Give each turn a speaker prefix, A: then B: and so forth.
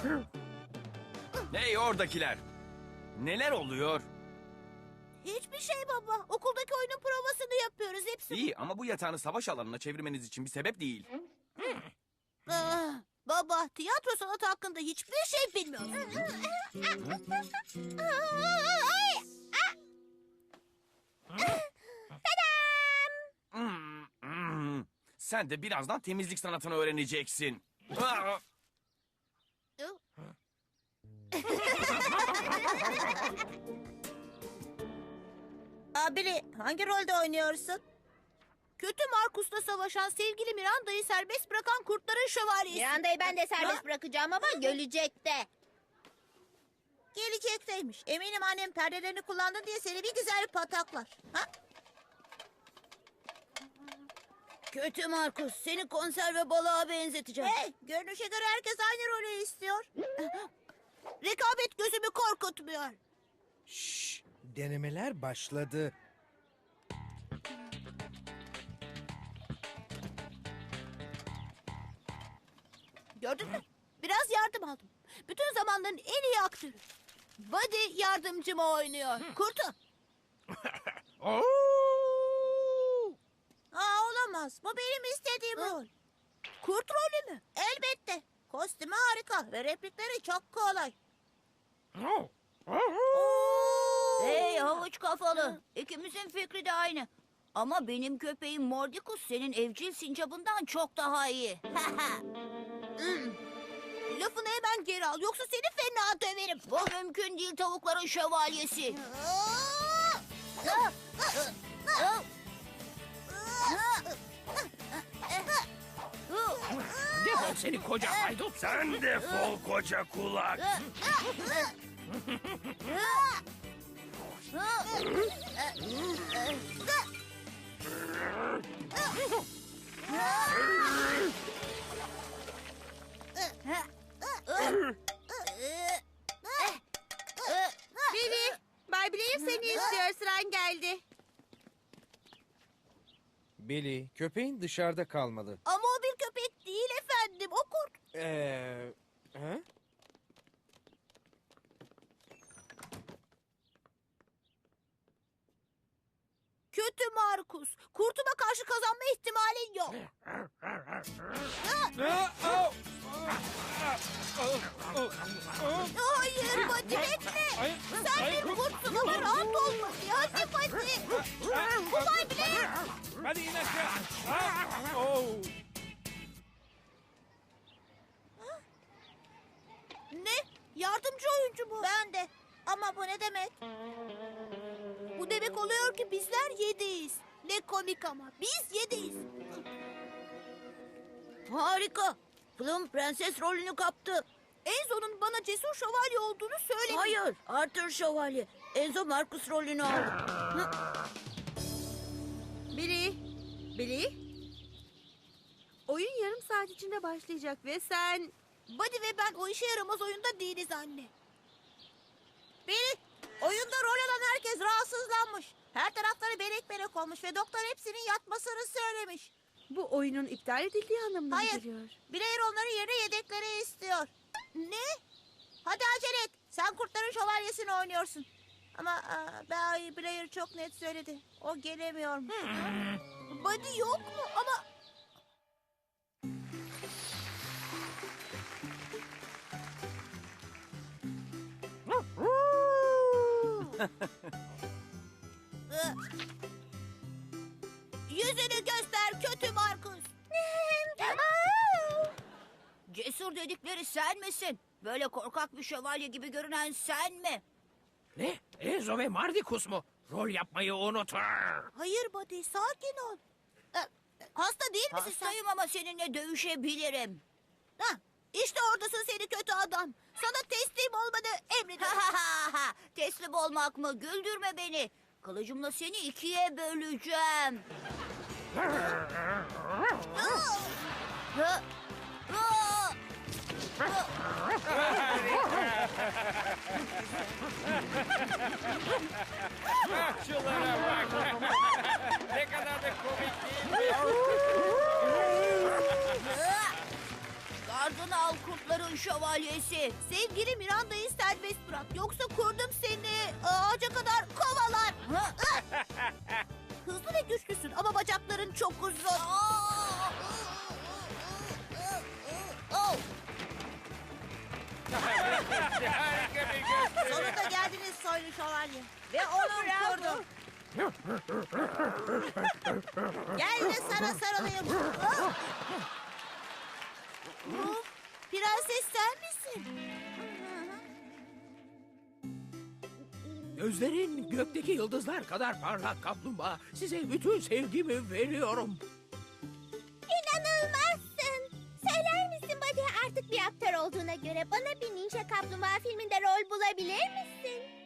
A: Hey oradakiler. Neler oluyor?
B: Hiçbir şey baba. Okuldaki oyunun provasını yapıyoruz hepsi.
A: İyi ama bu yatağını savaş alanına çevirmeniz için bir sebep değil.
B: Baba, tiyatro sanatı hakkında hiçbir şey bilmiyorsun.
A: Sen de birazdan temizlik sanatını öğreneceksin. Aa!
B: Abili, hangi rolde oynuyorsun? Kötü Markus'la savaşan sevgili Miranda'yı serbest bırakan kurtların şövalyesi.
C: Miranda'yı ben de serbest bırakacağım ama gelecekte.
B: Gelecekteymiş. Eminim annem perdelerini kullandın diye seni bir güzel pataklar. Ha?
C: Kötü Markus, seni konserve balığa benzeteceğim.
B: Hey, görünüşe göre herkes aynı rolü istiyor. Rekabet gözümü korkutmuyor.
D: Şşş, denemeler başladı.
B: Gördün mü? Biraz yardım aldım. Bütün zamanların en iyi aktörü. Buddy yardımcımı oynuyor. Kurtu. Olamaz. Bu benim istediğim rol. Kurt rolü mü? Elbette. Kostümü harika ve replikleri çok kolay.
C: Hey havuç kafalı, ikimizin fikri de aynı. Ama benim köpeğim Mordicus senin evcil sincabından çok daha iyi.
B: Lafını hemen geri al. Yoksa seni fena döverim.
C: Bu mümkün değil tavukların şövalyesi.
E: Defol seni koca haydut.
A: Sen defol koca kulak.
B: Billy, Bay Blair seni istiyor. Sıran geldi.
D: Billy, köpeğin dışarıda kalmalı.
B: Ama o bir köpek değil efendim. O kurt.
D: Ha?
B: Kötü Markus. Kurtuma karşı kazanma ihtimalin yok. Hayır Buddy bekle. Sen bir kurtsun ama rahat olma. Hadi Buddy. Bu Bay Blair.
E: Hadi in aşağı. Oh.
B: Ne? Yardımcı oyuncu mu? Ben de. Ama bu ne demek? Bu demek oluyor ki bizler yediyiz. Ne komik ama. Biz yediyiz.
C: Harika. Plum prenses rolünü kaptı.
B: Enzo'nun bana cesur şövalye olduğunu söyledi.
C: Hayır, Arthur şövalye. Enzo Markus rolünü aldı.
F: Billy? Oyun yarım saat içinde başlayacak ve sen...
B: Buddy ve ben o işe yaramaz oyunda değiliz anne. Billy, oyunda rol alan herkes rahatsızlanmış. Her tarafları belek belek olmuş ve doktor hepsinin yatmasını söylemiş.
F: Bu oyunun iptal edildiği anlamına mı
B: Hayır,
F: geliyor?
B: Blair onların yerine yedekleri istiyor. Ne? Hadi acele et. Sen kurtların şövalyesini oynuyorsun. Ama Bay Blair çok net söyledi. O gelemiyormuş. Buddy yok mu? Ama... Yüzünü göster kötü Markus.
C: Cesur dedikleri sen misin? Böyle korkak bir şövalye gibi görünen sen mi?
E: Ne? Enzo ve Mardicus mu? Rol yapmayı unutun.
B: Hayır Buddy, sakin ol. Hasta değil misin sen?
C: Hastayım ama seninle dövüşebilirim.
B: Ha, işte oradasın seni kötü adam. Sana teslim olmanı emrediyorum.
C: Teslim olmak mı? Güldürme beni. Kılıcımla seni ikiye böleceğim.
E: Şunlara bak. Ne kadar da komik değil mi?
C: Gardını al kurt Kurtların şövalyesi.
B: Sevgili Miranda'yı serbest bırak. Yoksa kurdum seni ağaca kadar kovalar. Hızlı ve güçlüsün ama bacakların çok uzun. Oh, sonunda geldiniz soylu şövalye. Ve onun kurdu. Gel de sana sarılayım. Prenses sen misin?
E: Gözlerin gökteki yıldızlar kadar parlak kaplumbağa. Size bütün sevgimi veriyorum.
G: İnanılmazsın. Söyler misin Buddy, artık bir aktör olduğuna göre bana bir Ninja Kaplumbağa filminde rol bulabilir misin?